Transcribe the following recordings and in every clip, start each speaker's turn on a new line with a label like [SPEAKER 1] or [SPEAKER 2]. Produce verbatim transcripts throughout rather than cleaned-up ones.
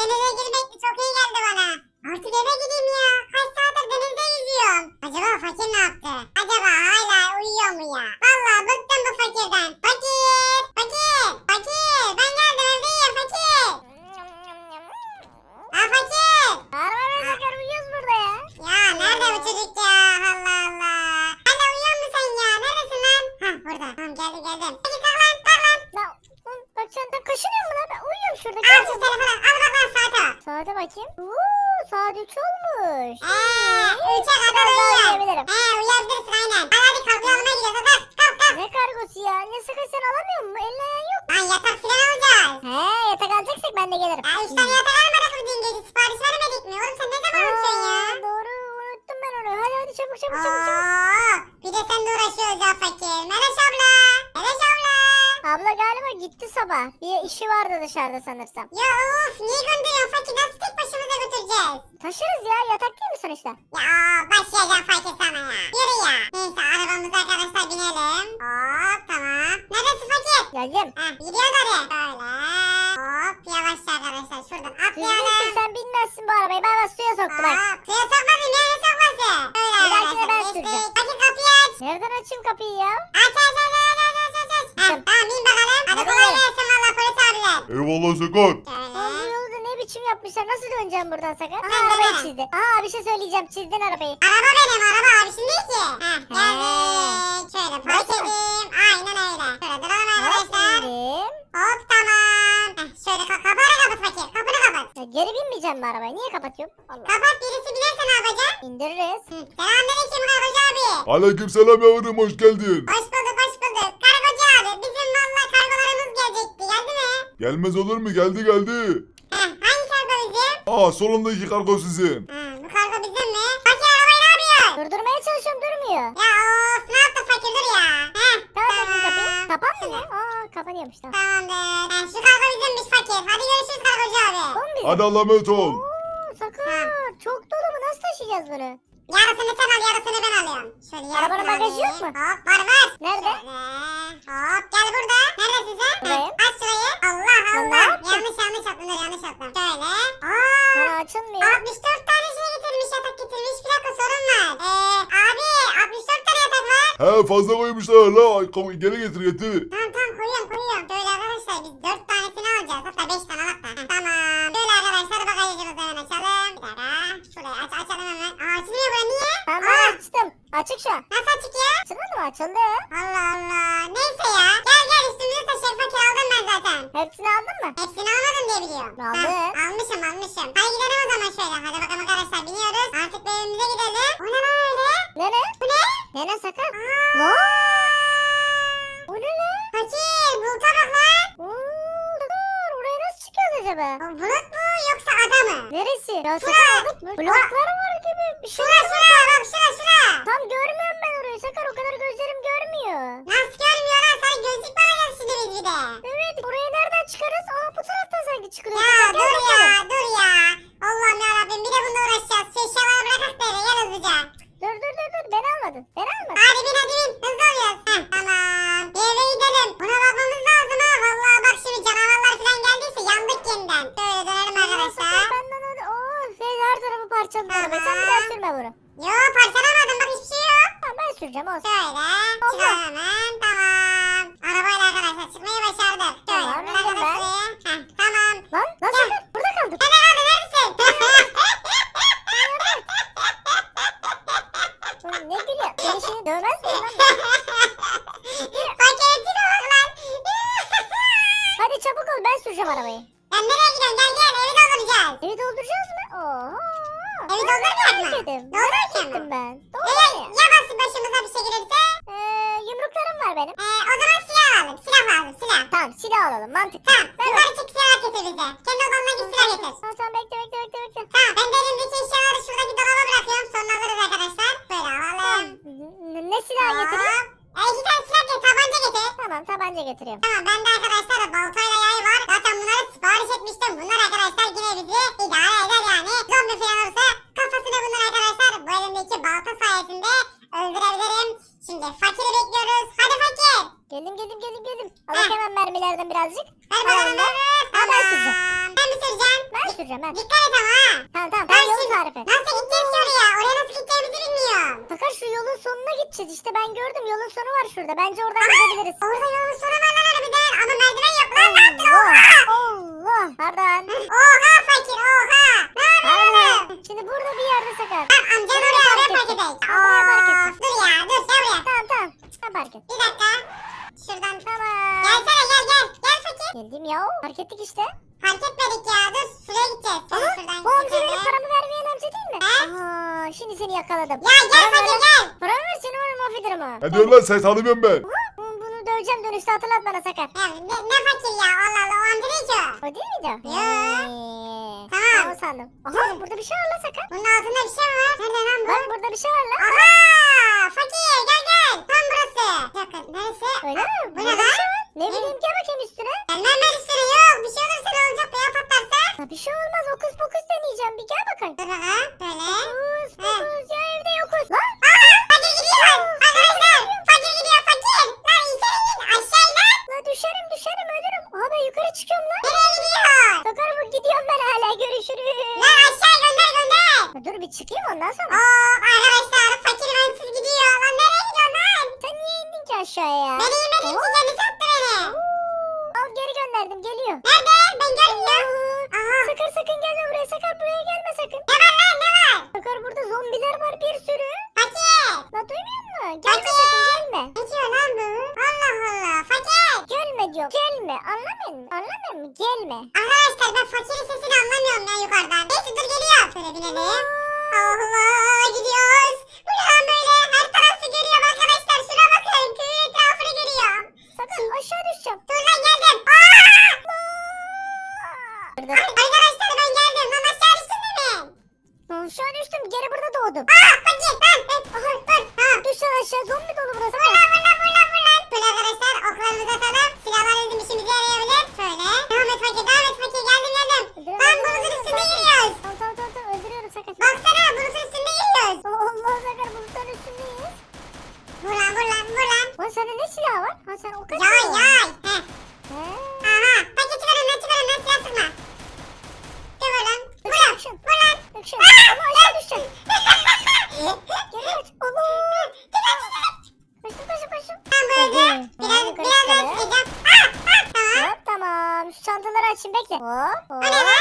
[SPEAKER 1] denize girmek çok iyi geldi bana. Artık eve gideyim ya. Kaç saattir denizde yüzüyorum. Acaba fakir ne yaptı? Acaba hala uyuyor mu ya? Vallahi bıktım bu fakirden. Fakir! Fakir! Fakir! Ben geldim evdeyim fakir! Ha fakir!
[SPEAKER 2] Araba ve Sakar uyuyoruz burada ya.
[SPEAKER 1] Ya nerede bu çocuk ya? Allah Allah. Hala uyuyor musun sen ya? Neredesin lan? Hah burada. Tamam geldim geldim. Peki kalk lan kalk lan.
[SPEAKER 2] Lan oğlum, bak sen de kaşınıyor mu lan? Ben uyuyorum şurada.
[SPEAKER 1] Al şu telefonu. Al bak lan saate bak.
[SPEAKER 2] Saate bakayım. Uuu saat üç olmuş.
[SPEAKER 1] Eee üçe kadar
[SPEAKER 2] Biraz daha
[SPEAKER 1] uyuyor.
[SPEAKER 2] uyuyabilirim.
[SPEAKER 1] He uyuyabilirsin aynen. Hadi hadi kalk uyanmaya gidiyoruz. Kalk kalk kalk.
[SPEAKER 2] Ne kargosu ya? Ne Sakar sen alamıyor musun? Elin ayağın yok.
[SPEAKER 1] Lan yatak filan alacağız.
[SPEAKER 2] He yatak alacaksak ben de gelirim.
[SPEAKER 1] Ya üç tane yatak almadık mı dün gece? Sipariş vermedik mi? Oğlum sen ne zaman unutuyorsun ya?
[SPEAKER 2] Aa, doğru unuttum ben onu. Hadi hadi çabuk çabuk çabuk çabuk.
[SPEAKER 1] Aa, bir de sen de uğraşıyoruz ya fakir. Meleş abla. Meleş abla.
[SPEAKER 2] Abla galiba gitti sabah. Bir işi vardı dışarıda sanırsam.
[SPEAKER 1] Ya of niye gönderiyorsun fakir? Nasıl tek başımıza götüreceğiz?
[SPEAKER 2] Taşırız ya yatak değil mi sonuçta?
[SPEAKER 1] Ya başlayacağım fakir sana ya. Yürü ya. Neyse arabamıza arkadaşlar binelim. Hop tamam. Neredesin fakir?
[SPEAKER 2] Geldim.
[SPEAKER 1] Heh gidiyoruz oraya. Böyle. Hop yavaşça arkadaşlar şuradan
[SPEAKER 2] Düzgünsün
[SPEAKER 1] atlayalım.
[SPEAKER 2] sen bilmezsin bu arabayı. Ben bak suya soktum bak.
[SPEAKER 1] Hop suya sokmadım ya ne sokması? Böyle
[SPEAKER 2] Bir dahakine
[SPEAKER 1] arkadaşlar
[SPEAKER 2] ben
[SPEAKER 1] geçtik.
[SPEAKER 2] süreceğim.
[SPEAKER 1] Fakir kapıyı aç.
[SPEAKER 2] Nereden açayım kapıyı ya?
[SPEAKER 1] Aç aç aç aç aç aç aç aç. Heh,
[SPEAKER 2] Tamam.
[SPEAKER 1] tamam bin bakalım. Hadi
[SPEAKER 2] Hadi
[SPEAKER 1] kolay
[SPEAKER 2] bakalım.
[SPEAKER 1] gelsin valla polis abiler.
[SPEAKER 3] Eyvallah Sakar.
[SPEAKER 2] Oğlum bu
[SPEAKER 1] Şöyle.
[SPEAKER 2] yolu da ne biçim yapmışlar? Nasıl döneceğim buradan Sakar?
[SPEAKER 1] Ulan
[SPEAKER 2] Aa arabayı
[SPEAKER 1] dönemem.
[SPEAKER 2] çizdi. Aa bir şey söyleyeceğim. Çizdin arabayı.
[SPEAKER 1] Araba benim araba abişin değil ki. Heh geldik. Şöyle park
[SPEAKER 2] Nasıl?
[SPEAKER 1] edeyim. Aynen öyle. Şöyle duralım arkadaşlar.
[SPEAKER 2] Aferin.
[SPEAKER 1] Hop tamam. Heh, şöyle ka kapağını kapat fakir. Kapını kapat.
[SPEAKER 2] Ya geri binmeyeceğim mi arabaya? Niye kapatıyorum? Allah.
[SPEAKER 1] Kapat birisi binerse ne yapacaksın?
[SPEAKER 2] İndiririz.
[SPEAKER 1] Hı. Selamünaleyküm kargocu abi.
[SPEAKER 3] Aleykümselam yavrum, hoş geldin.
[SPEAKER 1] Hoş bulduk hoş bulduk. Kargocu abi bizim valla kargolarımız gelecekti. Geldi mi?
[SPEAKER 3] Gelmez olur mu? Geldi geldi.
[SPEAKER 1] Heh, hangi kargo bizim?
[SPEAKER 3] Aa, solundaki kargo sizin.
[SPEAKER 1] Ha, bu kargo bizim mi? Fakir arabayı ne yapıyorsun?
[SPEAKER 2] Durdurmaya çalışıyorum durmuyor.
[SPEAKER 1] Ya of ne yaptın fakir dur ya. Heh,
[SPEAKER 2] Kapat bakayım kapıyı.
[SPEAKER 1] tamam.
[SPEAKER 2] Kapan mı ne? Aa kapanıyormuş tamam.
[SPEAKER 1] Tamamdır. Heh, şu kargo bizimmiş fakir. Hadi görüşürüz kargocu abi.
[SPEAKER 2] Bu mu bizim?
[SPEAKER 3] Hadi Allah'a emanet ol.
[SPEAKER 2] Oo Sakar. Çok dolu mu? Nasıl taşıyacağız bunu?
[SPEAKER 1] Yarısını sen al yarısını ben alıyorum. Şöyle yarısını
[SPEAKER 2] Arabanın bagajı yok
[SPEAKER 1] alayım.
[SPEAKER 2] mu?
[SPEAKER 1] Hop var var.
[SPEAKER 2] Nerede?
[SPEAKER 1] Şöyle. Hop gel burada. Neredesin sen?
[SPEAKER 2] Buradayım.
[SPEAKER 1] Heh, aç şurayı. Allah
[SPEAKER 2] Sen ne
[SPEAKER 1] Allah.
[SPEAKER 2] yaptın?
[SPEAKER 1] Yanlış yanlış attım dur yanlış attım. Şöyle. Aa.
[SPEAKER 2] Bana açılmıyor.
[SPEAKER 1] altmış dört tane şey getirmiş yatak getirmiş. Bir dakika sorun var. Eee abi altmış dört tane yatak var.
[SPEAKER 3] He, fazla koymuşlar la. Ay, kom- Geri getir getir.
[SPEAKER 1] Tamam tamam koyuyorum koyuyorum. Böyle arkadaşlar biz dört tanesini alacağız. Hatta beş tane alak da. Heh, tamam. Böyle arkadaşlar bagajımızı hemen açalım. Bir dakika. Şurayı aç açalım hemen. Aa açılmıyor bura niye?
[SPEAKER 2] Tamam
[SPEAKER 1] Aa,
[SPEAKER 2] ben açtım. Açık şu an.
[SPEAKER 1] nasıl açık ya?
[SPEAKER 2] Açılmadı mı? Açıldı.
[SPEAKER 1] Allah Allah. Neyse ya. Gel gel üstümüzü taşıyalım. Fakir aldım ben zaten.
[SPEAKER 2] Hepsini aldın mı?
[SPEAKER 1] Hepsini almadım diye biliyorum.
[SPEAKER 2] Aldın.
[SPEAKER 1] Heh, almışım almışım. Hadi gidelim o zaman şöyle. Hadi bakalım arkadaşlar biniyoruz. Artık bir evimize gidelim. O ne lan öyle?
[SPEAKER 2] Ne ne?
[SPEAKER 1] Bu ne?
[SPEAKER 2] Ne ne Sakar?
[SPEAKER 1] Aa.
[SPEAKER 2] Ne? O ne lan?
[SPEAKER 1] Fakir buluta bak lan.
[SPEAKER 2] Oo Sakar. Oraya nasıl çıkıyoruz acaba?
[SPEAKER 1] O bulut mu yoksa ada mı?
[SPEAKER 2] Neresi? Ya
[SPEAKER 1] Şura.
[SPEAKER 2] Sakar bulut mu? Bloklar var gibi bir şey.
[SPEAKER 1] Şura şura bak şura şura.
[SPEAKER 2] Tam görmüyorum ben orayı Sakar. O kadar gözlerim görmüyor.
[SPEAKER 1] Nasıl görmüyor lan? Sana gözlük bakacağız şimdi biz bir de.
[SPEAKER 2] Evet. Oraya nereden çıkarız? Aa bu taraftan sanki çıkılıyor.
[SPEAKER 1] Ya
[SPEAKER 2] Sakar, gel
[SPEAKER 1] dur ya
[SPEAKER 2] bakalım.
[SPEAKER 1] dur ya. Allah'ım yarabbim bir de bununla uğraşacağız. Şu eşyaları bırakak da eve gel hızlıca.
[SPEAKER 2] Dur dur dur dur. Beni almadın. Beni almadın.
[SPEAKER 1] Hadi bin hadi bin. Hızlı oluyoruz. Heh, tamam. Bir eve gidelim. Buna bakmamız lazım ha. Vallahi bak şimdi canavarlar falan geldiyse yandık yeniden. Şöyle dönelim arkadaşlar.
[SPEAKER 2] Sakar benden hadi. Oo şey, her tarafı parçaladı arabayı. Sen bir daha sürme bunu.
[SPEAKER 1] Yo parçalamadım bak hiçbir şey yok.
[SPEAKER 2] Tamam ben süreceğim olsun.
[SPEAKER 1] Şöyle çıkalım hemen. Tamam. Arabayla arkadaşlar çıkmayı başardık. Şöyle
[SPEAKER 2] Tamam,
[SPEAKER 1] bırak
[SPEAKER 2] güzel.
[SPEAKER 1] arabasıyı. Heh, tamam.
[SPEAKER 2] Lan lan
[SPEAKER 1] Gel.
[SPEAKER 2] Sakar burada kaldık.
[SPEAKER 1] Nerede kaldı neredesin?
[SPEAKER 2] Oğlum ne gülüyor? Seni şimdi dövmez miyim lan?
[SPEAKER 1] Paketine bak lan.
[SPEAKER 2] Hadi çabuk ol ben süreceğim arabayı.
[SPEAKER 1] Lan nereye gidiyorsun? Gel gel evi dolduracağız.
[SPEAKER 2] Evi dolduracağız mı? Oho.
[SPEAKER 1] Evi doldurmayacak mı?
[SPEAKER 2] Ettim.
[SPEAKER 1] Doldurmayacak mı?
[SPEAKER 2] Ettim ben.
[SPEAKER 1] Ya,
[SPEAKER 2] Doldurmayayım.
[SPEAKER 1] ya basın başımıza bir şey gelirse?
[SPEAKER 2] Ee, yumruklarım var benim.
[SPEAKER 1] Ee, o zaman silah alalım. Silah lazım silah.
[SPEAKER 2] Tamam silah alalım mantıklı.
[SPEAKER 1] Tamam.
[SPEAKER 2] Ben
[SPEAKER 1] Yukarı çık silah getir bize. Kendi odanına git silah getir.
[SPEAKER 2] Tamam tamam bekle bekle bekle bekle.
[SPEAKER 1] Tamam. Ben de elimdeki eşyaları şuradaki dolaba bırakıyorum. Sonra alırız arkadaşlar. Böyle alalım.
[SPEAKER 2] Ne, ne silah getireyim?
[SPEAKER 1] Hop. E, iki tane silah getir. Tabanca getir.
[SPEAKER 2] Tamam tabanca getiriyorum.
[SPEAKER 1] Tamam. Ben de arkadaşlar baltayla yay var. Zaten bunları sipariş etmiştim. Bunlar arkadaşlar yine bizi idare eder yani. Zombi falan olursa kafasını bunlar arkadaşlar bu elimdeki balta sayesinde öldürebilirim. Şimdi fakiri bekliyoruz. Hadi fakir.
[SPEAKER 2] Geldim geldim geldim geldim.
[SPEAKER 1] Heh.
[SPEAKER 2] Alıp hemen mermilerden birazcık.
[SPEAKER 1] Ver bana
[SPEAKER 2] Tamam,
[SPEAKER 1] ver.
[SPEAKER 2] Ha, ben
[SPEAKER 1] Tamam.
[SPEAKER 2] süreceğim.
[SPEAKER 1] Ben mi süreceğim?
[SPEAKER 2] Ben süreceğim gideceğim ben.
[SPEAKER 1] Dikkat et ama ha.
[SPEAKER 2] Tamam tamam
[SPEAKER 1] Ben
[SPEAKER 2] ben yolu
[SPEAKER 1] şimdi-
[SPEAKER 2] tarif et.
[SPEAKER 1] Nasıl gideceğiz ki oraya? Oraya nasıl gideceğimizi bilmiyorum.
[SPEAKER 2] Sakar şu yolun sonuna gideceğiz işte ben gördüm yolun sonu var şurada. Bence oradan gidebiliriz.
[SPEAKER 1] Orada yolun sonu var lan harbiden. Ama merdiven yok lan. Ne yaptın?
[SPEAKER 2] Allah
[SPEAKER 1] Oha!
[SPEAKER 2] Allah. Pardon.
[SPEAKER 1] Oha fakir oha. Ne yapıyorsun?
[SPEAKER 2] Pardon. Şimdi burada bir yerde Sakar.
[SPEAKER 1] Tamam amcan oraya oraya park edelim.
[SPEAKER 2] Oraya park et.
[SPEAKER 1] Of dur ya dur sen buraya.
[SPEAKER 2] Tamam tamam. Sen park et.
[SPEAKER 1] Bir dakika. Şuradan.
[SPEAKER 2] Tamam.
[SPEAKER 1] Gelsene gel gel. Gel fakir.
[SPEAKER 2] Geldim ya. Park ettik işte.
[SPEAKER 1] Fark etmedik ya. Dur şuraya gideceğiz. Şöyle
[SPEAKER 2] Aha,
[SPEAKER 1] şuradan
[SPEAKER 2] bu amca benim
[SPEAKER 1] gidelim.
[SPEAKER 2] paramı vermeyen amca değil mi?
[SPEAKER 1] He?
[SPEAKER 2] Aha, şimdi seni yakaladım.
[SPEAKER 1] Ya gel
[SPEAKER 2] Paramı
[SPEAKER 1] fakir
[SPEAKER 2] ver-
[SPEAKER 1] gel.
[SPEAKER 2] Paramı ver seni var mahvederim ha.
[SPEAKER 3] Ne diyorsun lan sen tanımıyorum ben.
[SPEAKER 2] Aha, bunu bunu döveceğim dönüşte hatırlat bana Sakar.
[SPEAKER 1] Ya ne, ne fakir ya Allah Allah o amca değil ki o.
[SPEAKER 2] O değil miydi?
[SPEAKER 1] Ya.
[SPEAKER 2] Ee,
[SPEAKER 1] Tamam.
[SPEAKER 2] Ben o sandım. Aha burada bir şey var lan Sakar.
[SPEAKER 1] Bunun altında bir şey mi var? Nerede lan bu?
[SPEAKER 2] Bak burada bir şey var lan.
[SPEAKER 1] Aha fakir gel gel. Tam burası. Bir dakika neresi?
[SPEAKER 2] Öyle mi?
[SPEAKER 1] Bu ne
[SPEAKER 2] Burada bir
[SPEAKER 1] lan?
[SPEAKER 2] şey var. Ne bileyim gel bakayım üstüne.
[SPEAKER 1] Gelmem ben üstüne yok. Bir şey olursa ne olacak ya patlarsa?
[SPEAKER 2] Ya bir şey olmaz okus pokus deneyeceğim bir gel bakayım.
[SPEAKER 1] Dur bakalım. Böyle.
[SPEAKER 2] Okus pokus ya evde yokuz. Lan.
[SPEAKER 1] Aa fakir gidiyor. Arkadaşlar fakir gidiyor fakir. Lan insene in aşağı in lan.
[SPEAKER 2] La düşerim düşerim ölürüm. Aha ben yukarı çıkıyorum lan.
[SPEAKER 1] Nereye gidiyor?
[SPEAKER 2] Sakar bu gidiyorum ben hala görüşürüz.
[SPEAKER 1] Lan aşağı gönder gönder.
[SPEAKER 2] Ya dur bir çıkayım ondan sonra.
[SPEAKER 1] Oo arkadaşlar fakir bensiz gidiyor. Lan nereye gidiyorsun lan?
[SPEAKER 2] Sen niye indin ki aşağıya?
[SPEAKER 1] Beni inmediğin için kendisi attı beni.
[SPEAKER 2] Al geri gönderdim geliyor.
[SPEAKER 1] Nerede? Ben görmüyorum.
[SPEAKER 2] Aa,
[SPEAKER 1] Aha.
[SPEAKER 2] Sakar sakın gelme buraya Sakar buraya gelme sakın.
[SPEAKER 1] Ne var lan ne var?
[SPEAKER 2] Sakar burada zombiler var bir sürü.
[SPEAKER 1] Fakir.
[SPEAKER 2] La duymuyor musun? Gelme
[SPEAKER 1] Fakir.
[SPEAKER 2] sakın gelme.
[SPEAKER 1] Ne diyor lan bu? Allah Allah. Fakir.
[SPEAKER 2] Gelme diyor. Gelme anlamıyor musun? Anlamıyor musun? Gelme.
[SPEAKER 1] Arkadaşlar ben fakirin sesini anlamıyorum ya yukarıdan. Neyse dur geliyor. Şöyle binelim. Allah gidiyoruz. Bu ne lan böyle? Her tarafı görüyorum arkadaşlar. Şuna bakın. Köyün etrafını görüyorum.
[SPEAKER 2] Sakar aşağı düşeceğim.
[SPEAKER 1] Dur lan geldim. Aa!
[SPEAKER 2] Burada.
[SPEAKER 1] Arkadaşlar ben geldim. Lan aşağı düştün değil mi?
[SPEAKER 2] Aşağı düştüm geri burada doğdum.
[SPEAKER 1] Aa fakir lan. Aha dur. Ha.
[SPEAKER 2] Düşsen aşağı zombi dolu burası.
[SPEAKER 1] Vur lan vur lan vur lan vur lan. Böyle arkadaşlar oklarımızı atalım. Silahlar bizim işimize yarayabilir. Şöyle. Devam et fakir devam et fakir. Geldim geldim. Lan bulutun üstünde yürüyoruz.
[SPEAKER 2] Tamam tamam tamam tamam, öldürüyorum Sakar.
[SPEAKER 1] Baksana bulutun üstünde yürüyoruz.
[SPEAKER 2] Allah Sakar bulutların üstündeyiz.
[SPEAKER 1] Vur lan vur lan vur lan.
[SPEAKER 2] Lan sende ne silah var? Ha sen o kaç
[SPEAKER 1] Yay
[SPEAKER 2] silah var?
[SPEAKER 1] yay. Heh.
[SPEAKER 2] He.
[SPEAKER 1] Aha. Fakir çıkar önden çıkar önden silah sıkma. Dur vur lan. Vur lan.
[SPEAKER 2] Action.
[SPEAKER 1] Vur lan.
[SPEAKER 2] Action. Allah aşağı düşeceğim. Geri kaç. Allah. Koştum koştum koştum.
[SPEAKER 1] Ben böyle biraz
[SPEAKER 2] Yukarı
[SPEAKER 1] biraz daha
[SPEAKER 2] çıkalım.
[SPEAKER 1] sıkacağım. Ah ah tamam.
[SPEAKER 2] Hop tamam. Şu çantaları açayım bekle. Hop
[SPEAKER 1] O ne
[SPEAKER 2] hop.
[SPEAKER 1] lan?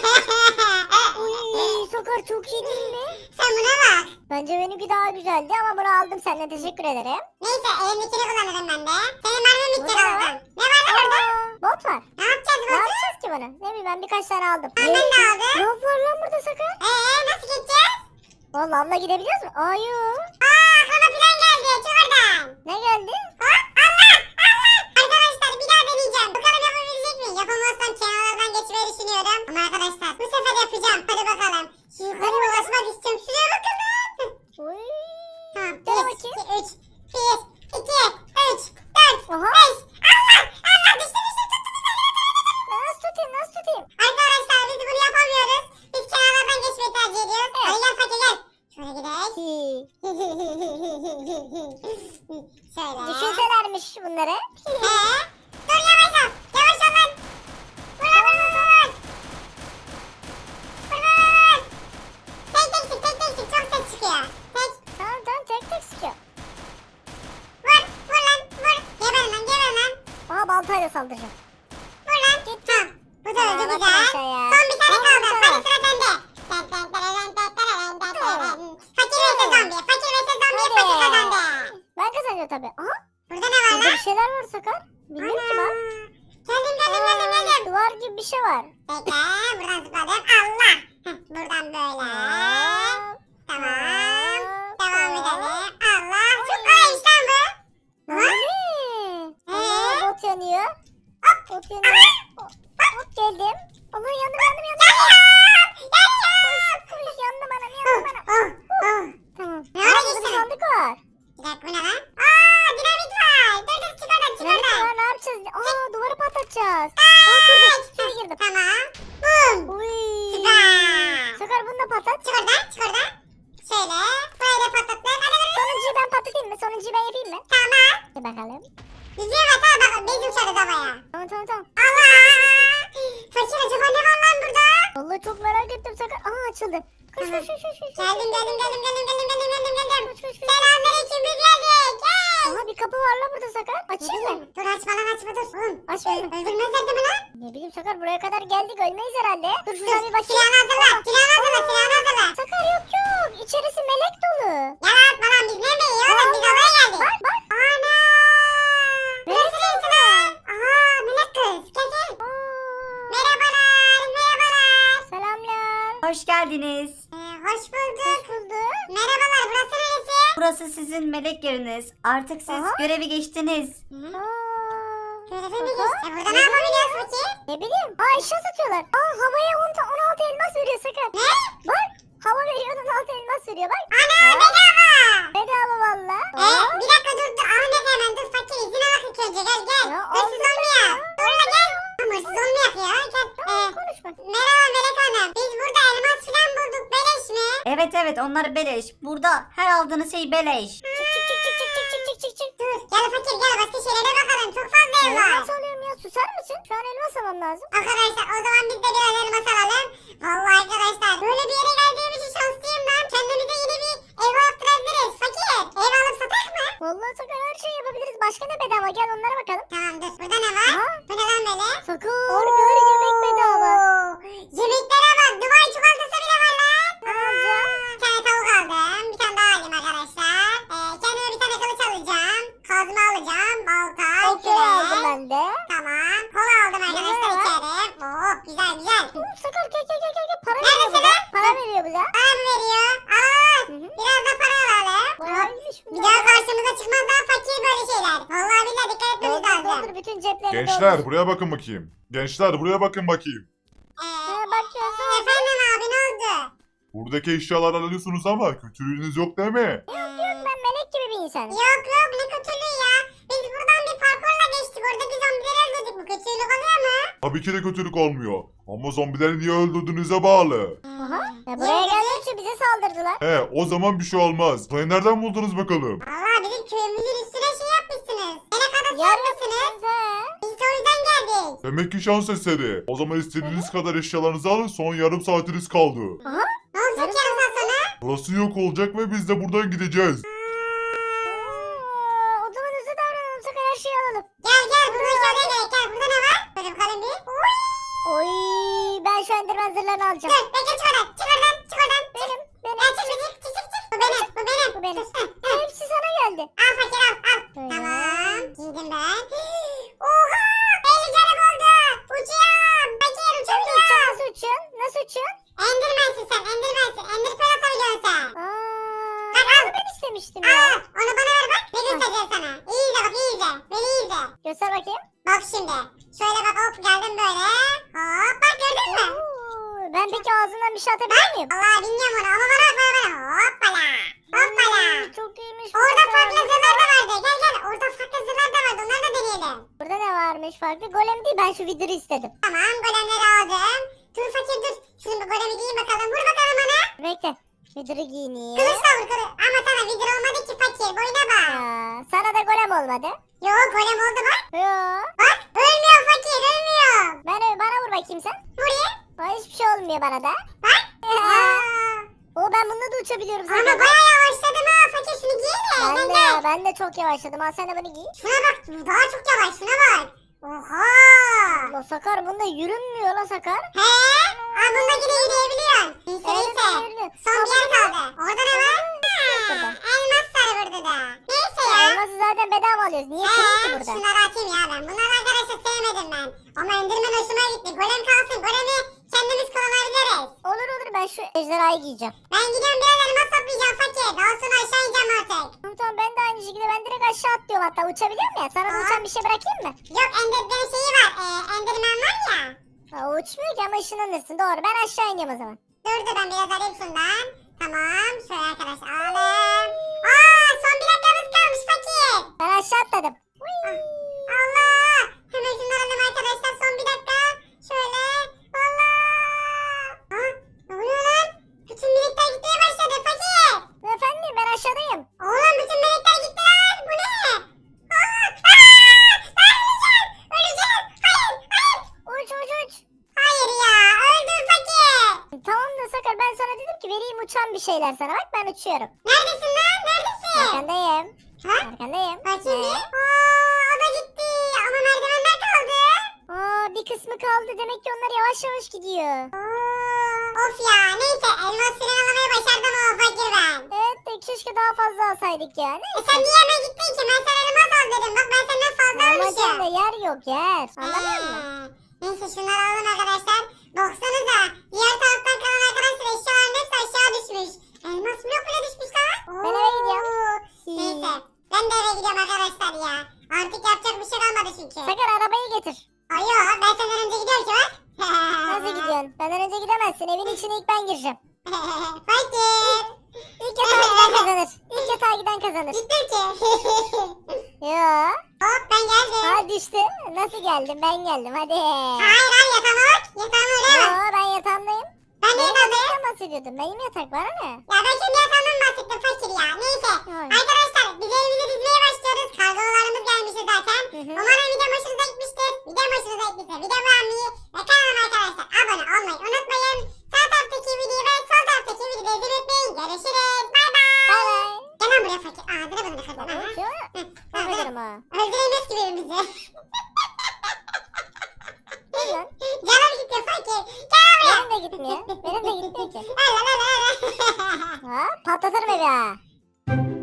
[SPEAKER 2] Uy Sakar çok iyi değil mi?
[SPEAKER 1] Sen buna bak.
[SPEAKER 2] Bence benimki daha güzeldi ama bunu aldım senden teşekkür ederim.
[SPEAKER 1] Neyse elimdekini kullanırım ben de. Senin mermin
[SPEAKER 2] Bu
[SPEAKER 1] bitecek
[SPEAKER 2] ne lan?
[SPEAKER 1] oradan. Ne var lan orada?
[SPEAKER 2] Aa, bot var.
[SPEAKER 1] Ne yapacağız
[SPEAKER 2] Ne
[SPEAKER 1] bunu?
[SPEAKER 2] yapacağız ki bunu? Ne bileyim ben birkaç tane aldım.
[SPEAKER 1] Ben de aldım.
[SPEAKER 2] Ne var lan burada Sakar?
[SPEAKER 1] Eee nasıl geçeceğiz?
[SPEAKER 2] Valla abla gidebiliyoruz mu? Ayu.
[SPEAKER 1] Aa aklıma plan geldi. Çık oradan.
[SPEAKER 2] Ne geldi?
[SPEAKER 1] Hop Allah Allah. Arkadaşlar bir daha deneyeceğim. Bakalım yapabilecek miyim? Yapamazsam kenarlardan geçmeyi düşünüyorum. Ama arkadaşlar bu sefer yapacağım. Hadi bakalım. Şu yukarıya ulaşmak istiyorum. Şuraya bakın lan.
[SPEAKER 2] Uy.
[SPEAKER 1] Tamam.
[SPEAKER 2] Gel
[SPEAKER 1] Bir,
[SPEAKER 2] bakayım.
[SPEAKER 1] iki, üç. Bir, iki, üç, dört,
[SPEAKER 2] Aha.
[SPEAKER 1] beş. Allah Allah düştü düştü. Tut, tut, tut, tut, tut, tut.
[SPEAKER 2] Nasıl tutayım nasıl tutayım?
[SPEAKER 1] Arkadaşlar biz bunu yapamıyoruz. Biz kenarlardan geçmeyi tercih ediyoruz.
[SPEAKER 2] Evet.
[SPEAKER 1] Hadi gel fakir gel. Şöyle gidelim.
[SPEAKER 2] Hi.
[SPEAKER 1] Şöyle.
[SPEAKER 2] Düşünselermiş bunları.
[SPEAKER 1] Ee, dur yavaş ol. Yavaş ol lan. Vur lan vur vur vur. Vur vur vur. Tek tek sık tek tek sık. Çok ses çıkıyor. Tek.
[SPEAKER 2] Tamam tamam tek tek sıkıyor.
[SPEAKER 1] Vur. Vur lan vur. Geber lan geber lan.
[SPEAKER 2] Aha baltayla saldıracağım.
[SPEAKER 1] Vur lan. Tamam. Bu da öldü
[SPEAKER 2] Aa, bakın
[SPEAKER 1] güzel.
[SPEAKER 2] aşağıya.
[SPEAKER 1] Son bir tane
[SPEAKER 2] Aa,
[SPEAKER 1] kaldı.
[SPEAKER 2] baksana.
[SPEAKER 1] Hadi sıra sende. Ten, ten, tereren, ten, tereren, ten, tereren. Fakir vs zombi. Fakir vs zombi.
[SPEAKER 2] Hadi.
[SPEAKER 1] Fakir kazandı.
[SPEAKER 2] Ben kazanıyorum tabii. Aha.
[SPEAKER 1] Burada ne var
[SPEAKER 2] Burada
[SPEAKER 1] lan?
[SPEAKER 2] bir şeyler var Sakar. Bilmiyorum ki
[SPEAKER 1] Ana.
[SPEAKER 2] bak.
[SPEAKER 1] Geldim geldim geldim
[SPEAKER 2] Aa,
[SPEAKER 1] geldim.
[SPEAKER 2] duvar gibi bir şey var.
[SPEAKER 1] Bekle buradan zıpladım. Allah. Heh, buradan böyle.
[SPEAKER 2] Hop,
[SPEAKER 1] Tamam.
[SPEAKER 2] hop,
[SPEAKER 1] Devam
[SPEAKER 2] hop.
[SPEAKER 1] edelim. Allah. Çok kolaymış lan bu.
[SPEAKER 2] Ne? Allah
[SPEAKER 1] Ee?
[SPEAKER 2] bot yanıyor.
[SPEAKER 1] Hop.
[SPEAKER 2] Bot yanıyor. Hop hop, geldim. Allah yandım yandım yandım.
[SPEAKER 1] Yanıyorum. Yanıyorum.
[SPEAKER 2] Koş yandım anam
[SPEAKER 1] Oh,
[SPEAKER 2] yandım anam.
[SPEAKER 1] oh, oh.
[SPEAKER 2] Tamam.
[SPEAKER 1] Ne
[SPEAKER 2] Aa,
[SPEAKER 1] ara
[SPEAKER 2] burada bir
[SPEAKER 1] geçtin?
[SPEAKER 2] sandık var.
[SPEAKER 1] Bir dakika bu ne lan? Aa dinamit var. Dur dur çık oradan çık
[SPEAKER 2] Dinamit
[SPEAKER 1] oradan.
[SPEAKER 2] var ne yapacağız? Aa duvarı patlatacağız.
[SPEAKER 1] Aa,
[SPEAKER 2] Aa kırdım. İçeri girdim.
[SPEAKER 1] Tamam. Bum.
[SPEAKER 2] Uy.
[SPEAKER 1] Süper.
[SPEAKER 2] Sakar bunu da patlat.
[SPEAKER 1] Çık oradan çık oradan. Şöyle. Burayı da patlattım. Hadi hadi.
[SPEAKER 2] Sonuncuyu ben patlatayım mı? Sonuncuyu ben yapayım mı?
[SPEAKER 1] Tamam.
[SPEAKER 2] Hadi bakalım.
[SPEAKER 1] Yüzüğe bak ha bak. Biz uçarız havaya.
[SPEAKER 2] Tamam tamam tamam.
[SPEAKER 1] Allah. Fakir acaba ne var lan burada?
[SPEAKER 2] Vallahi çok merak ettim Sakar. Aa açıldı. Koş koş koş koş. koş.
[SPEAKER 1] Geldim geldim geldim geldim geldim geldim geldim geldim.
[SPEAKER 2] Koş koş koş.
[SPEAKER 1] Selamünaleyküm biz geldik. Gel.
[SPEAKER 2] Aha bir kapı var lan burada Sakar. Açayım mı?
[SPEAKER 1] Dur açma lan açma dur. Oğlum.
[SPEAKER 2] Açmayayım mı?
[SPEAKER 1] Öldürmezler değil mi lan?
[SPEAKER 2] Ne bileyim Sakar buraya kadar geldik ölmeyiz herhalde. Dur şuradan bir bakayım.
[SPEAKER 1] Silahını hazırla. Silahını hazırla. Silahını hazırla.
[SPEAKER 2] Sakar yok yok. İçerisi melek dolu.
[SPEAKER 1] Yalan atma lan biz neredeyiz oğlum biz oraya geldik.
[SPEAKER 2] Bak bak.
[SPEAKER 1] Ana. Burası neresi lan? Aha melek kız. Gel gel.
[SPEAKER 2] Aa,
[SPEAKER 1] Merhabalar. Merhabalar.
[SPEAKER 2] selamlar.
[SPEAKER 4] Hoş geldiniz.
[SPEAKER 1] Ee, hoş bulduk.
[SPEAKER 2] Hoş bulduk.
[SPEAKER 1] Merhabalar burası neresi?
[SPEAKER 4] Burası sizin melek yeriniz. Artık siz
[SPEAKER 2] Aha.
[SPEAKER 4] görevi geçtiniz.
[SPEAKER 2] Aa,
[SPEAKER 1] Görevi mi geçti? E, burada ne yapabiliyoruz peki?
[SPEAKER 2] ne bileyim. Aa eşya satıyorlar. Aa havaya on, on altı elmas veriyor Sakar.
[SPEAKER 1] Ne?
[SPEAKER 2] Bak hava veriyor on altı elmas veriyor bak.
[SPEAKER 1] Ana bedava.
[SPEAKER 2] Bedava valla.
[SPEAKER 1] Ee, bir dakika dur dur. Ahmet hemen dur fakir izin alak ilk önce gel gel.
[SPEAKER 2] Ya,
[SPEAKER 1] Hırsız
[SPEAKER 2] aldım
[SPEAKER 1] olmuyor.
[SPEAKER 2] ya.
[SPEAKER 1] Dur la gel. Ama hırsız olmuyor ya. Gel. Ee,
[SPEAKER 2] Konuşma.
[SPEAKER 1] merhaba Melek Hanım. Biz burada elmas filan bulduk. Beleş mi?
[SPEAKER 4] Evet evet onlar beleş. Burada her aldığınız şey beleş.
[SPEAKER 2] Çık çık çık çık çık çık çık çık çık çık.
[SPEAKER 1] Dur gel fakir gel başka şeylere bakalım. Çok fazla ev var.
[SPEAKER 2] Elmas alıyorum ya susar mısın? Şu an elmas almam lazım.
[SPEAKER 1] Arkadaşlar o zaman biz de biraz elmas alalım. Vallahi arkadaşlar böyle bir yere geldiğim için şanslıyım ben. Kendimize yeni bir ev yaptırabiliriz. Fakir ev alıp satak mı?
[SPEAKER 2] Vallahi Sakar her şeyi yapabiliriz. Başka ne bedava? Gel onlara bakalım.
[SPEAKER 1] Tamam dur burada ne var?
[SPEAKER 2] Aha.
[SPEAKER 1] Bu ne lan böyle?
[SPEAKER 2] Sakar bir yemek bedava.
[SPEAKER 1] Oo, yemeklere bak. Dubai çikolatası bile var lan.
[SPEAKER 2] Ne alacağım?
[SPEAKER 1] Bir tane tavuk aldım. Bir tane daha alayım arkadaşlar. Ee, kendime bir tane kılıç alacağım. Kazma alacağım. Balta,
[SPEAKER 2] Okey aldım
[SPEAKER 1] kürek.
[SPEAKER 2] ben de.
[SPEAKER 1] Tamam. Kola aldım arkadaşlar
[SPEAKER 2] Ne var?
[SPEAKER 1] içeri. Oh güzel güzel.
[SPEAKER 2] Oğlum Sakar gel gel gel gel. gel. Para
[SPEAKER 1] Neredesin
[SPEAKER 2] veriyor bu da.
[SPEAKER 1] lan?
[SPEAKER 2] Para veriyor bu da.
[SPEAKER 1] Bana mı veriyor? Al.
[SPEAKER 2] Hı hı.
[SPEAKER 1] Biraz da para alalım.
[SPEAKER 2] Bayağı iyiymiş
[SPEAKER 1] Bir
[SPEAKER 2] bunlar.
[SPEAKER 1] daha karşımıza çıkmaz daha fakir böyle şeyler. Vallahi billahi dikkat etmemiz
[SPEAKER 2] Doldur
[SPEAKER 1] lazım.
[SPEAKER 2] doldur bütün ceplerini
[SPEAKER 3] Gençler
[SPEAKER 2] doldur.
[SPEAKER 3] buraya bakın bakayım. Gençler buraya bakın bakayım.
[SPEAKER 1] Ee,
[SPEAKER 2] Ee, bakıyorsun.
[SPEAKER 1] efendim abi ne oldu?
[SPEAKER 3] Buradaki eşyaları alıyorsunuz ama kötülüğünüz yok değil mi?
[SPEAKER 2] Yok yok ben melek gibi bir insanım.
[SPEAKER 1] Yok yok ne kötülüğü ya. Biz buradan bir parkurla geçtik. Oradaki zombileri öldürdük. Bu kötülük oluyor mu?
[SPEAKER 3] Tabii ki de kötülük olmuyor. Ama zombileri niye öldürdüğünüze bağlı.
[SPEAKER 2] Aha. Ya buraya gelmek için bize saldırdılar.
[SPEAKER 3] He o zaman bir şey olmaz. Burayı nereden buldunuz bakalım?
[SPEAKER 1] Valla bizim köyümüzün üstüne şey yapmışsınız. Melek adası
[SPEAKER 2] Yarın
[SPEAKER 1] yapmışsınız.
[SPEAKER 2] He.
[SPEAKER 1] Biz de o yüzden geldik.
[SPEAKER 3] Demek ki şans eseri. O zaman istediğiniz kadar eşyalarınızı alın, son yarım saatiniz kaldı.
[SPEAKER 2] Aha.
[SPEAKER 1] Ne olacak
[SPEAKER 2] Yarın
[SPEAKER 1] yarın sonra?
[SPEAKER 3] Burası yok olacak ve biz de buradan gideceğiz.
[SPEAKER 2] Aa, o zaman hızlı davranalım Sakar her şeyi alalım.
[SPEAKER 1] Gel gel burada şöyle gerek gel. Burada ne var? Böyle bakalım bir. Oy.
[SPEAKER 2] Oy ben şu enderman zırhlarını alacağım.
[SPEAKER 1] Dur bekle çık oradan. Çık oradan. Çık oradan.
[SPEAKER 2] Benim benim.
[SPEAKER 1] Ya çık çık çık çık çık. Bu benim. Bu benim.
[SPEAKER 2] Bu benim.
[SPEAKER 1] Dur, heh, heh.
[SPEAKER 2] Hepsi sana geldi.
[SPEAKER 1] Al fakir al al.
[SPEAKER 2] Böyle.
[SPEAKER 1] Tamam. Giydim ben. Oha. elli canım oldu. Uçuyorum. Fakir
[SPEAKER 2] Sen de
[SPEAKER 1] uçabiliyorum.
[SPEAKER 2] uçuyorsun. Nasıl uçuyorsun? Nasıl uçuyorsun?
[SPEAKER 1] Endirmensin sen. Endirmensin. Ender pearl atabiliyorsun sen.
[SPEAKER 2] Aa,
[SPEAKER 1] Bak, al.
[SPEAKER 2] bunu ben istemiştim ya.
[SPEAKER 1] Al. Onu bana ver bak. Ne göstereceğim sana. İyi izle bak iyi izle. Beni iyi izle.
[SPEAKER 2] Göster bakayım.
[SPEAKER 1] Bak şimdi. Şöyle bak hop geldim böyle. Hop bak gördün mü?
[SPEAKER 2] Oo, ben peki ağzından bir şey atabilir miyim?
[SPEAKER 1] Allah bilmiyorum onu ama bana bak bana bana. Hoppala. Hoppala.
[SPEAKER 2] Oo, çok iyiymiş. bu
[SPEAKER 1] Orada
[SPEAKER 2] Sakar.
[SPEAKER 1] farklı zırhlar da vardı. Gel gel. Orada farklı zırhlar da vardı. Onları da deneyelim.
[SPEAKER 2] Burada ne varmış farklı? Golem değil ben şu vidiri istedim.
[SPEAKER 1] Tamam golemleri aldım. Dur fakir dur. Şimdi bu golemi giyin bakalım. Vur bakalım bana.
[SPEAKER 2] Bekle. Vidiri giyineyim.
[SPEAKER 1] Kılıçla vur kılıç. Ama sana vidir olmadı ki fakir. Boyuna bak.
[SPEAKER 2] Ya, sana da golem olmadı.
[SPEAKER 1] Yok golem oldu bak.
[SPEAKER 2] Yo.
[SPEAKER 1] Bak ölmüyor fakir ölmüyor.
[SPEAKER 2] Ben bana vur bakayım sen.
[SPEAKER 1] Vurayım.
[SPEAKER 2] Aa, hiçbir şey olmuyor bana da.
[SPEAKER 1] Bak. Aa.
[SPEAKER 2] O ben bununla da uçabiliyorum
[SPEAKER 1] Ama
[SPEAKER 2] zaten.
[SPEAKER 1] bayağı yavaşladım ha fakir şunu giy de.
[SPEAKER 2] Ben
[SPEAKER 1] Ben
[SPEAKER 2] de
[SPEAKER 1] de.
[SPEAKER 2] ben de çok yavaşladım. Al sen de bunu giy.
[SPEAKER 1] Şuna bak bu daha çok yavaş şuna bak. Oha.
[SPEAKER 2] La Sakar bunda yürünmüyor la Sakar.
[SPEAKER 1] He? Aa bunda yine yürüyebiliyorsun. Neyse
[SPEAKER 2] Evet,
[SPEAKER 1] neyse.
[SPEAKER 2] yürüyorum.
[SPEAKER 1] Son bir yer kaldı. Orada ne var?
[SPEAKER 2] Burada.
[SPEAKER 1] Ha, elmas sarı burada da. Neyse ya.
[SPEAKER 2] Elması zaten bedava alıyoruz. Niye kırayım ki
[SPEAKER 1] Eee
[SPEAKER 2] burada?
[SPEAKER 1] şunları atayım ya ben. Bunları arkadaşlar sevmedim ben. Ama Enderman hoşuma gitti. Golem kalsın. Golemi kendimiz kullanabiliriz.
[SPEAKER 2] Olur olur ben şu ejderhayı giyeceğim.
[SPEAKER 1] Ben gidiyorum biraz elmas toplayacağım fakir. Daha sonra aşağı ineceğim artık.
[SPEAKER 2] Tamam tamam ben de aynı şekilde ben direkt aşağı atlıyorum hatta uçabiliyorum ya. Sana da
[SPEAKER 1] Aa.
[SPEAKER 2] uçan bir şey bırakayım mı?
[SPEAKER 1] Yok Enderman şeyi var. Ee, Enderman var ya.
[SPEAKER 2] Aa, o uçmuyor ki ama ışınlanırsın doğru ben aşağı iniyorum o zaman.
[SPEAKER 1] Dur dur ben biraz alayım şundan. Tamam. Şöyle arkadaşlar alalım. Aa son bir dakikamız kalmış fakir.
[SPEAKER 2] Ben aşağı atladım.
[SPEAKER 1] Ah, Allah. Hemen şunları alalım arkadaşlar. Son bir dakika. Şöyle. Allah. Ha? Ne oluyor lan? Bütün birlikler gitmeye başladı fakir.
[SPEAKER 2] Efendim ben aşağıdayım.
[SPEAKER 1] Oğlum bütün melekler gitti lan. Bu ne? Aa, aa, ben öleceğim. Öleceğim. Hayır. Hayır.
[SPEAKER 2] Uç uç uç.
[SPEAKER 1] Hayır ya. Öldüm fakir.
[SPEAKER 2] ki vereyim uçan bir şeyler sana. Bak ben uçuyorum.
[SPEAKER 1] Neredesin lan? Neredesin?
[SPEAKER 2] Arkandayım.
[SPEAKER 1] Ha?
[SPEAKER 2] Arkandayım.
[SPEAKER 1] Bakayım bir.
[SPEAKER 2] He.
[SPEAKER 1] Aa, o da gitti. Ama merdivenler kaldı.
[SPEAKER 2] Aa, bir kısmı kaldı. Demek ki onlar yavaş yavaş gidiyor.
[SPEAKER 1] Oo, of ya. Neyse elmas filan alamayı başardım o fakir ben.
[SPEAKER 2] Evet de keşke daha fazla alsaydık ya.
[SPEAKER 1] E
[SPEAKER 2] Neyse.
[SPEAKER 1] sen niye hemen gittin ki? Ben sana elmas al dedim. Bak ben senden fazla
[SPEAKER 2] Amacım da
[SPEAKER 1] almışım.
[SPEAKER 2] yer yok yer. Anladın mı?
[SPEAKER 1] Ee, Neyse şunları alalım arkadaşlar. Baksanıza. Diğer taraftan kalan arkadaşlar eşyaların hepsi aşağı düşmüş. Elmas blok bile düşmüş lan.
[SPEAKER 2] Ben eve gidiyorum.
[SPEAKER 1] Oo. Neyse. Ben de eve gidiyorum arkadaşlar ya. Artık yapacak bir şey kalmadı çünkü.
[SPEAKER 2] Sakar arabayı getir.
[SPEAKER 1] Ay yok ben senden önce gidiyorum ki bak.
[SPEAKER 2] Nasıl gidiyorsun? Benden önce gidemezsin. Evin içine ilk ben gireceğim.
[SPEAKER 1] Fakir.
[SPEAKER 2] İlk yatağa giden kazanır. İlk yatağa giden kazanır.
[SPEAKER 1] Gittim ki.
[SPEAKER 2] Yo.
[SPEAKER 1] Hop ben geldim.
[SPEAKER 2] Ha düştü. Nasıl geldim? Ben geldim. Hadi.
[SPEAKER 1] Hayır hayır yatağıma bak. Yatağıma öyle
[SPEAKER 2] Yo
[SPEAKER 1] bak.
[SPEAKER 2] ben yatağımdayım.
[SPEAKER 1] Ben de
[SPEAKER 2] Benim
[SPEAKER 1] yatağımdayım.
[SPEAKER 2] yataktan bahsediyordum. Benim yatak var ne?
[SPEAKER 1] Ya ben kendi yatağımdan bahsettim fakir ya. Neyse.
[SPEAKER 2] Ay.
[SPEAKER 1] Arkadaşlar biz evimizi dizmeye başlıyoruz. Kargolarımız gelmişti zaten.
[SPEAKER 2] Hı hı.
[SPEAKER 1] Umarım video hoşunuza gitmiştir. Video hoşunuza gittiyse video beğenmeyi ve kanalıma arkadaşlar abone olmayı unutmayın. Sağ taraftaki videoyu ve sol taraftaki videoyu izlemeyi unutmayın. Görüşürüz. Bay bay.
[SPEAKER 2] Bay bay.
[SPEAKER 1] Gel lan buraya fakir. Ağzını bunu kırdın.
[SPEAKER 2] Tamam.
[SPEAKER 1] Aha.
[SPEAKER 2] Yo.
[SPEAKER 1] Hı,
[SPEAKER 2] Öldürürüm ha.
[SPEAKER 1] Öldüremez ki birbirimizi.
[SPEAKER 2] Dur lan.
[SPEAKER 1] Canım gitti fakir. Gel buraya.
[SPEAKER 2] Benim de gitmiyor. Benim de gitmiyor ki.
[SPEAKER 1] Öyle öyle öyle.
[SPEAKER 2] Ha patlatırım evi ha.